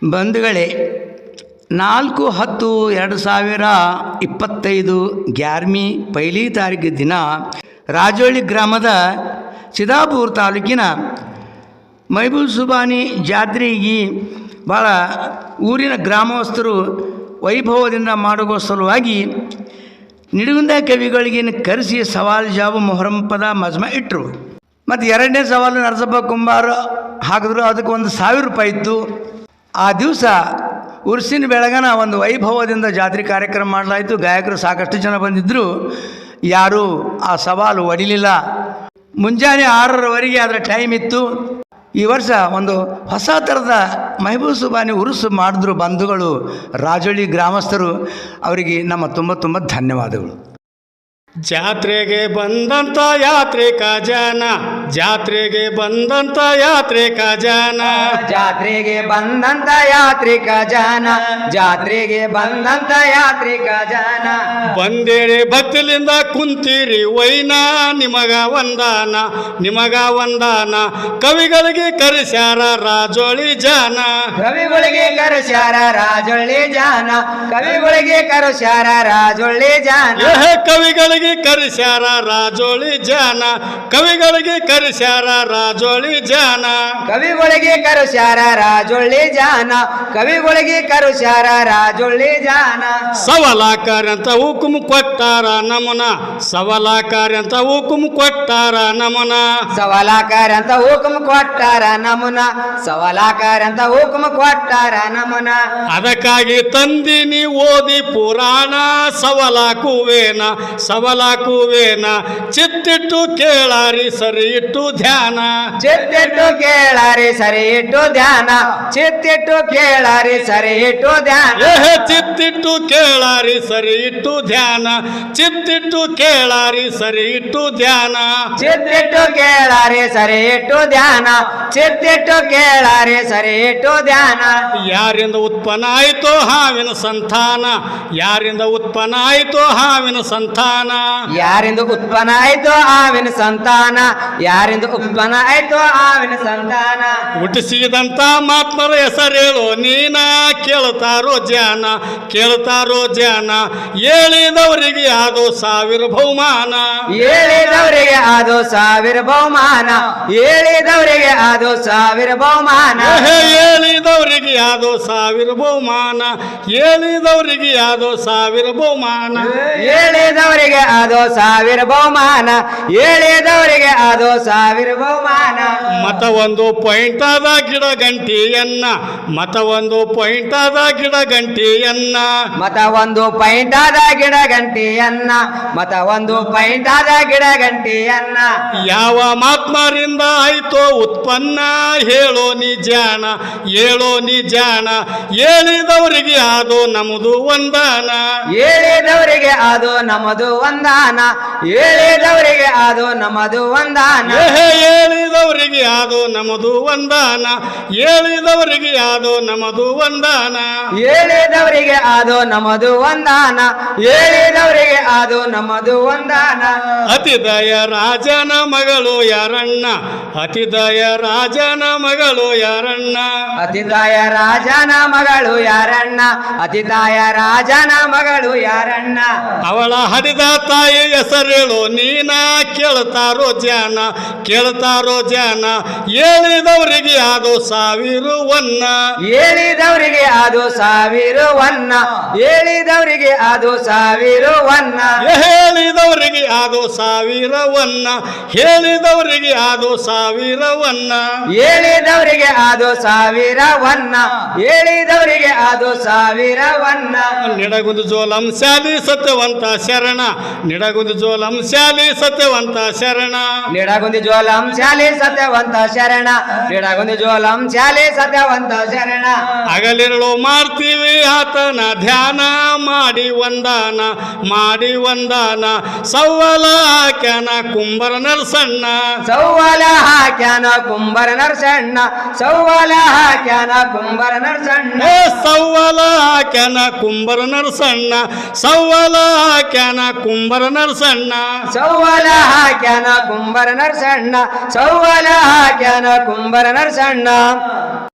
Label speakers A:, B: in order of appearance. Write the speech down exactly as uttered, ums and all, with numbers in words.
A: ಬಂಧುಗಳೇ, ನಾಲ್ಕು ಹತ್ತು ಎರಡು ಸಾವಿರ ಇಪ್ಪತ್ತೈದು ಗ್ಯಾರ್ಮಿ ಪೈಲಿ ತಾರೀಕು ದಿನ ರಾಜೋಳಿ ಗ್ರಾಮದ ಸಿದ್ದಾಪುರ ತಾಲೂಕಿನ ಮೈಬೂಬ್ ಸುಬಾನಿ ಜಾತ್ರೆಗೆ ಭಾಳ ಊರಿನ ಗ್ರಾಮಸ್ಥರು ವೈಭವದಿಂದ ಮಾಡುವ ಸಲುವಾಗಿ ನಿಡುಗುಂದ ಕವಿಗಳಿಗೆ ಕರೆಸಿ ಸವಾಲು ಜಾಬು ಮೊಹರಂ ಪದ ಮಜ್ಮ ಇಟ್ಟರು. ಮತ್ತು ಎರಡನೇ ಸವಾಲು ನರಸಪ್ಪ ಕುಂಬಾರ ಹಾಕಿದ್ರು. ಅದಕ್ಕೆ ಒಂದು ಸಾವಿರ ರೂಪಾಯಿ ಇತ್ತು. ಆ ದಿವಸ ಉರ್ಸಿನ ಬೆಳಗನ ಒಂದು ವೈಭವದಿಂದ ಜಾತ್ರೆ ಕಾರ್ಯಕ್ರಮ ಮಾಡಲಾಯಿತು. ಗಾಯಕರು ಸಾಕಷ್ಟು ಜನ ಬಂದಿದ್ದರು. ಯಾರೂ ಆ ಸವಾಲು ಒಡಿಲಿಲ್ಲ. ಮುಂಜಾನೆ ಆರರವರೆಗೆ ಅದರ ಟೈಮ್ ಇತ್ತು. ಈ ವರ್ಷ ಒಂದು ಹೊಸ ಥರದ ಮೈಬೂಬ್ ಸುಬಾನಿ ಉರುಸು ಮಾಡಿದ್ರು ಬಂಧುಗಳು, ರಾಜೋಳಿ ಗ್ರಾಮಸ್ಥರು. ಅವರಿಗೆ ನಮ್ಮ ತುಂಬ ತುಂಬ ಧನ್ಯವಾದಗಳು.
B: ಜಾತ್ರೆಗೆ ಬಂದಂತ ಯಾತ್ರಿಕ ಜನ, ಜಾತ್ರೆಗೆ ಬಂದಂತ ಯಾತ್ರಿಕ ಜನ,
C: ಜಾತ್ರೆಗೆ ಬಂದಂತ ಯಾತ್ರಿಕ ಜನ, ಜಾತ್ರೆಗೆ ಬಂದಂತ ಯಾತ್ರಿಕ ಜನ.
B: ಬಂದೇರಿ ಭಕ್ತಿಲಿಂದ ಕುಂತೀರಿ ವೈನ, ನಿಮಗ ವಂದನ, ನಿಮಗ ವಂದನ. ಕವಿಗಳಿಗೆ ಕರೆಸ್ಯಾರ ರಾಜೋಳಿ ಜನ,
C: ಕವಿಗಳಿಗೆ ಕರೆಸ್ಯಾರ ರಾಜೊಳ್ಳಿ ಜನ, ಕವಿಗಳಿಗೆ ಕರೆಸ್ಯಾರ ರಾಜೊಳ್ಳಿ ಜನ.
B: ಕವಿಗಳಿಗೆ ಕರೆಸ್ಯಾರ ರಾಜೋಳಿ ಜನ, ಕವಿಗಳಿಗೆ ಕರೆಸ್ಯಾರ ರಾಜೋಳಿ ಜನ,
C: ಕವಿಗಳಿಗೆ ಕರೆಸ್ಯಾರ ರಾಜೊಳ್ಳಿ ಜನ, ಕವಿಗಳಿಗೆ ಕರೆಸ್ಯಾರ ರಾಜೊಳ್ಳಿ ಜನ.
B: ಸವಾಲಾಕಾರ ಅಂತ ಹುಕುಮ್ ಕೊಟ್ಟಾರ ನಮನ, ಸವಾಲಾಕಾರ ಅಂತ ಹುಕುಮ್ ಕೊಟ್ಟಾರ ನಮನ,
C: ಸವಾಲಾಕಾರ ಅಂತ ಹುಕುಮ್ ಕೊಟ್ಟಾರ ನಮನ, ಸವಾಲಾಕಾರ ಅಂತ ಹುಕುಮ್ ಕೊಟ್ಟಾರ ನಮನ.
B: ಅದಕ್ಕಾಗಿ ತಂದಿನಿ ಓದಿ ಪುರಾಣ, ಸವಾಲಾಕುವೇನ ಸವಾಲಾಕುವೇನ. ಚಿತ್ತಿಟ್ಟು ಕೇಳಾರಿ ಸರಿ ಇಟ್ಟು ಧ್ಯಾನ,
C: ಚಿತ್ತಿಟ್ಟು ಕೇಳಾರಿ ಸರಿ ಇಟ್ಟು ಧ್ಯಾನ, ಚಿತ್ತಿಟ್ಟು ಕೇಳಾರಿ ಸರಿ ಇಟ್ಟು ಧ್ಯಾನ.
B: ಚಿತ್ತಿಟ್ಟು ಕೇಳಾರಿ ಸರಿ ಇಟ್ಟು ಧ್ಯಾನ, ಚಿತ್ತಿಟ್ಟು ಕೇಳಾರಿ ಸರಿ ಇಟ್ಟು ಧ್ಯಾನ,
C: ಚಿತ್ತಿಟ್ಟು ಕೇಳಾರಿ ಸರಿ ಇಟ್ಟು ಧ್ಯಾನ, ಚಿತ್ತಿಟ್ಟು ಕೇಳಾರಿ ಸರಿ ಇಟ್ಟು ಧ್ಯಾನ.
B: ಯಾರಿಂದ ಉತ್ಪನ್ನ ಆಯ್ತೋ ಹಾವಿನ ಸಂತಾನ, ಯಾರಿಂದ ಉತ್ಪನ್ನ ಆಯ್ತೋ ಹಾವಿನ ಸಂತಾನ,
C: ಯಾರಿಂದ ಉತ್ಪನ್ನ ಆಯ್ತೋ ಹಾವಿನ ಸಂತಾನ, ಯಾರಿಂದ ಉತ್ಪನ್ನ ಆಯ್ತೋ ಹಾವಿನ ಸಂತಾನ.
B: ಹುಟ್ಟಿಸಿದಂತ ಮಾತ್ಮರ ಹೆಸರೇಳು ನೀನ, ಕೇಳ್ತಾರೋ ಜನ, ಕೇಳ್ತಾರೋ ಜನ. ಹೇಳಿದವರಿಗೆ ಅದು ಸಾವಿರ ಬಹುಮಾನ,
C: ಹೇಳಿದವರಿಗೆ ಅದು ಸಾವಿರ ಬಹುಮಾನ, ಹೇಳಿದವರಿಗೆ ಅದು ಸಾವಿರ ಬಹುಮಾನ.
B: ಹೇಳಿದವರಿಗೆ ಅದು ಸಾವಿರ ಬಹುಮಾನ, ಹೇಳಿದವರಿಗೆ ಅದು ಸಾವಿರ ಬಹುಮಾನ,
C: ಹೇಳಿದವರಿಗೆ ಅದು ಸಾವಿರ ಬಹುಮಾನ, ಹೇಳಿದವರಿಗೆ ಅದು ಸಾವಿರ ಬಹುಮಾನ.
B: ಮತ ಒಂದು ಪಾಯಿಂಟ್ ಆದ ಗಿಡ ಗಂಟಿಯನ್ನ, ಮತ ಒಂದು ಪಾಯಿಂಟ್ ಆದ ಗಿಡ ಗಂಟಿಯನ್ನ,
C: ಮತ ಒಂದು ಪಾಯಿಂಟ್ ಆದ ಗಿಡ ಗಂಟಿಯನ್ನ, ಮತ ಒಂದು ಪಾಯಿಂಟ್ ಆದ ಗಿಡ ಗಂಟಿಯನ್ನ.
B: ಯಾವ ಮಾತ್ಮರಿಂದ ಆಯ್ತೋ ಉತ್ಪನ್ನ ಹೇಳೋ ನಿಜಾನ, ಹೇಳೋ ನಿಜಾನ. ಹೇಳಿದವರಿಗೆ ಅದು ನಮ್ಮದು ವಂದನ,
C: ಹೇಳಿದವರಿಗೆ ಅದು ನಮ್ಮದು ವಂದನ, ಹೇಳಿದವರಿಗೆ ಅದು ನಮ್ಮದು ವಂದನ.
B: ಹೇಳಿದವರಿಗೆ ಅದು ನಮ್ಮದು ವಂದನ, ಹೇಳಿದವರಿಗೆ ಅದು ನಮ್ಮದು ವಂದನ,
C: ಹೇಳಿದವರಿಗೆ ಅದು ನಮ್ಮದು ವಂದನ, ಹೇಳಿದವರಿಗೆ ಅದು ನಮ್ಮದು ವಂದನ.
B: ಅತಿದಯ ರಾಜನ ಮಗಳು ಯಾರಣ್ಣ, ಅತಿದಯ ರಾಜನ ಮಗಳು ಯಾರಣ್ಣ,
C: ಅತಿದಾಯ ರಾಜನ ಮಗಳು ಯಾರಣ್ಣ, ಅತಿದಾಯ ರಾಜನ ಮಗಳು ಯಾರಣ್ಣ.
B: ಅವಳ ಹರಿದ ತಾಯಿ ಹೆಸರೇಳು ನೀನ, ಕೇಳ್ತಾರೋ ಜನ, ಕೇಳ್ತಾರೋ ಜನ. ಹೇಳಿದವರಿಗೆ ಅದು ಸಾವಿರ ವನ್ನ,
C: ಹೇಳಿದವರಿಗೆ ಅದು ಸಾವಿರ ವನ್ನ, ಹೇಳಿದವರಿಗೆ ಅದು ಸಾವಿರ ವನ್ನ.
B: ಹೇಳಿದವರಿಗೆ ಅದು ಸಾವಿರ ವನ್ನ, ಹೇಳಿದವರಿಗೆ ಅದು ಸಾವಿರ ವನ್ನ,
C: ಹೇಳಿದವರಿಗೆ ಅದು ಸಾವಿರ ವನ್ನ, ಹೇಳಿದವರಿಗೆ ಅದು ಸಾವಿರ ವನ್ನ.
B: ನಿಡಗುಂದು ಜೋಲಂ ಶಾಲಿ ಸತ್ಯವಂತ ಶರಣ, ನಿಡಗುಂದು ಜೋಲಂ ಶಾಲಿ ಸತ್ಯವಂತ ಶರಣ,
C: ನಿಡಗುಂದಿ ಜೋಲಂ ಶಾಲೆ ಸತ್ಯವಂತ ಶರಣ, ನಿಡಗುಂದಿ ಜೋಲಂ ಶಾಲೆ ಸತ್ಯವಂತ ಶರಣ.
B: ಹಗಲಿರುಳು ಮಾಡ್ತೀವಿ ಆತನ ಧ್ಯಾನ, ಮಾಡಿ ವಂದನ, ಮಾಡಿ ವಂದನ. ಸವ್ವಲ ಹಾಕ್ಯಾನ ಕುಂಬರ ನರಸಣ್ಣ,
C: ಸೌವಾಲ ಹಾಕ್ಯಾನ ಕುಂಬರ ನರಸಣ್ಣ, ಸೌವಾಲ ಹಾಕ್ಯಾನ ಕುಂಬರ ನರಸಣ್ಣ.
B: ಏ ಸವ್ವಲ ಹಾಕ್ಯಾನ ಕುಂಬರ ನರಸಣ್ಣ, ಸವ್ವಲ ಹಾಕ್ಯಾನ ಕುಂಬರ ನರಸಣ್ಣ,
C: ಸೌವಾಲ ಹಾಕ್ಯಾನ ಕುಂಬರ ನರಸಣ್ಣ, ಸೌವಾಲ ಹಾಕ್ಯಾನ ಕುಂಬರ ನರಸಣ್ಣ.